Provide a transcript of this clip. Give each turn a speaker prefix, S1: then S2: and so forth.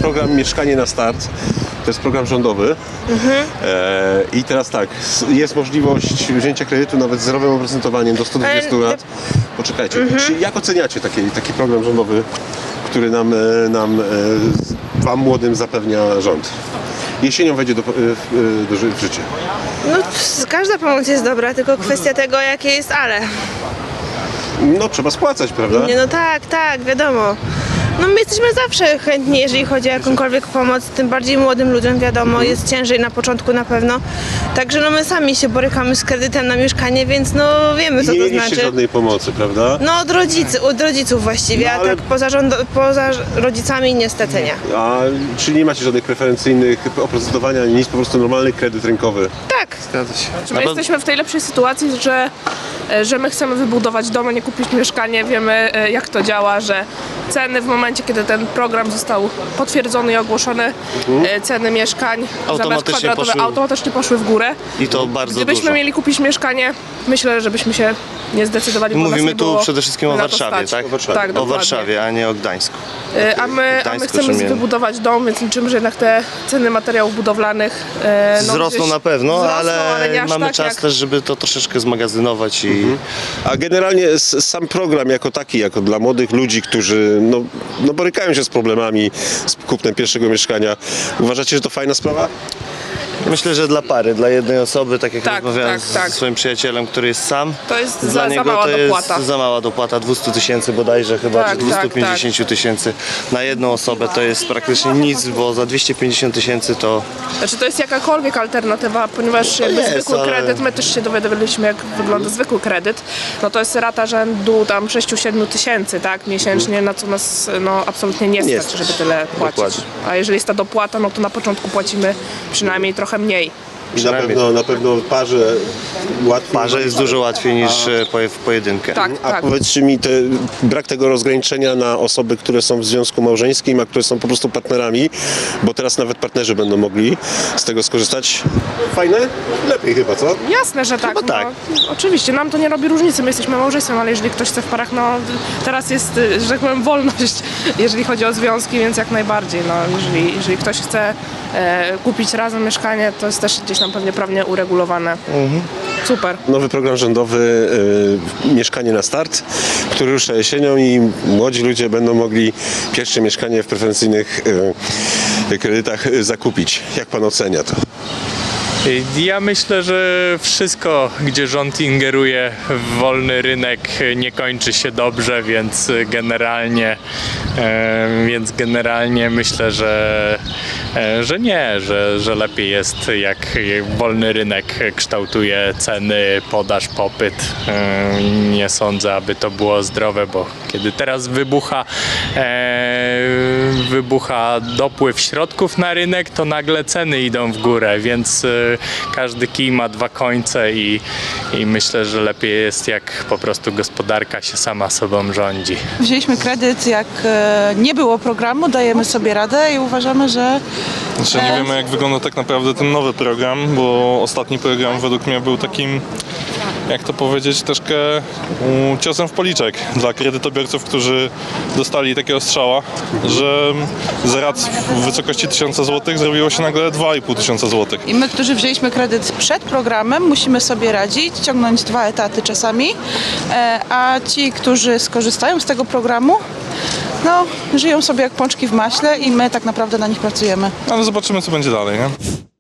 S1: program Mieszkanie na Start. To jest program rządowy. I teraz tak, jest możliwość wzięcia kredytu nawet z zerowym oprocentowaniem do 120 lat. Poczekajcie, jak oceniacie taki program rządowy, który wam młodym zapewnia rząd? Jesienią wejdzie w życie.
S2: No, każda pomoc jest dobra, tylko kwestia tego, jakie jest ale.
S1: No, trzeba spłacać, prawda?
S2: Nie, no tak, wiadomo. No my jesteśmy zawsze chętni, jeżeli chodzi o jakąkolwiek pomoc, tym bardziej młodym ludziom, wiadomo, jest ciężej na początku na pewno. Także no my sami się borykamy z kredytem na mieszkanie, więc no wiemy, co
S1: Nie
S2: to
S1: mieliście
S2: znaczy.
S1: żadnej pomocy, prawda?
S2: No od rodziców właściwie,
S1: No, ale-
S2: a tak poza rodzicami niestety nie.
S1: A czy nie macie żadnych preferencyjnych oprocentowania, ani nic, po prostu normalny kredyt rynkowy?
S2: Tak.
S1: Zgadza się.
S3: My jesteśmy w tej lepszej sytuacji, że my chcemy wybudować dom, a nie kupić mieszkanie. Wiemy, jak to działa, że ceny w momencie, kiedy ten program został potwierdzony i ogłoszony, ceny mieszkań za metr kwadratowy automatycznie poszły w górę.
S4: I to bardzo
S3: Gdybyśmy
S4: dużo.
S3: mieli kupić mieszkanie, myślę, że byśmy się nie zdecydowali. Bo nas
S4: Mówimy
S3: nie
S4: tu
S3: było
S4: przede wszystkim o
S3: na to
S4: Warszawie,
S3: stać.
S4: tak?
S1: O Warszawie.
S3: Tak,
S4: O
S3: dokładnie.
S4: Warszawie, a nie o Gdańsku.
S3: A my
S4: Gdańsku,
S3: chcemy
S4: Szumień.
S3: wybudować dom, więc liczymy, że jednak te ceny materiałów budowlanych
S4: Wzrosną
S3: gdzieś
S4: na pewno,
S3: wzrosną,
S4: ale
S3: nie aż
S4: mamy
S3: tak,
S4: czas
S3: jak...
S4: też, żeby to troszeczkę zmagazynować i
S1: A generalnie sam program jako taki, jako dla młodych ludzi, którzy no borykają się z problemami z kupnem pierwszego mieszkania, uważacie, że to fajna sprawa?
S4: myślę, że dla pary, dla jednej osoby, tak jak
S3: Tak,
S4: rozmawiałem
S3: tak.
S4: ze swoim przyjacielem, który jest sam,
S3: To jest
S4: dla
S3: za
S4: niego
S3: mała
S4: to
S3: dopłata.
S4: jest za mała dopłata, 200 000 bodajże chyba,
S3: Tak,
S4: czy 250 000 na jedną osobę, to jest praktycznie nic, bo za 250 000 to
S3: Znaczy to jest jakakolwiek alternatywa, ponieważ jakby
S4: jest,
S3: zwykły
S4: ale-
S3: kredyt, my też się dowiadywaliśmy, jak wygląda zwykły kredyt, no to jest rata rzędu tam 6-7 tysięcy, tak, miesięcznie, na co nas no, absolutnie nie
S1: Nie
S3: stać,
S1: stać.
S3: żeby tyle płacić.
S4: Dokładnie.
S3: A jeżeli jest ta dopłata, no to na początku płacimy przynajmniej trochę mniej.
S1: I na pewno parze łatwiej.
S4: parze jest dużo łatwiej niż w pojedynkę.
S3: Tak,
S1: A
S3: tak.
S1: powiedzcie mi, brak tego rozgraniczenia na osoby, które są w związku małżeńskim, a które są po prostu partnerami, bo teraz nawet partnerzy będą mogli z tego skorzystać. Fajne? Lepiej chyba, co?
S3: Jasne, że tak.
S4: Chyba tak.
S3: No, oczywiście, nam to nie robi różnicy, my jesteśmy małżeństwem, ale jeżeli ktoś chce w parach, no teraz jest, że tak powiem, wolność, jeżeli chodzi o związki, więc jak najbardziej. No, jeżeli ktoś chce kupić razem mieszkanie, to jest też gdzieś tam pewnie prawnie uregulowane. Super.
S1: Nowy program rządowy Mieszkanie na Start, który rusza jesienią i młodzi ludzie będą mogli pierwsze mieszkanie w preferencyjnych kredytach zakupić. Jak pan ocenia to?
S5: Ja myślę, że wszystko, gdzie rząd ingeruje w wolny rynek, nie kończy się dobrze, więc generalnie myślę, że nie, że lepiej jest, jak wolny rynek kształtuje ceny, podaż, popyt. Nie sądzę, aby to było zdrowe, bo kiedy teraz wybucha dopływ środków na rynek, to nagle ceny idą w górę, więc każdy kij ma dwa końce i myślę, że lepiej jest, jak po prostu gospodarka się sama sobą rządzi.
S6: Wzięliśmy kredyt, jak nie było programu, dajemy sobie radę i uważamy, że
S7: Znaczy nie wiemy, jak wygląda tak naprawdę ten nowy program, bo ostatni program według mnie był takim, jak to powiedzieć, troszkę ciosem w policzek dla kredytobiorców, którzy dostali takiego strzała, że z rat w wysokości 1000 zł zrobiło się nagle 2500 zł.
S6: i my, którzy wzięliśmy kredyt przed programem, musimy sobie radzić, ciągnąć 2 etaty czasami, a ci, którzy skorzystają z tego programu, no, żyją sobie jak pączki w maśle i my tak naprawdę na nich pracujemy.
S7: Ale zobaczymy, co będzie dalej, nie?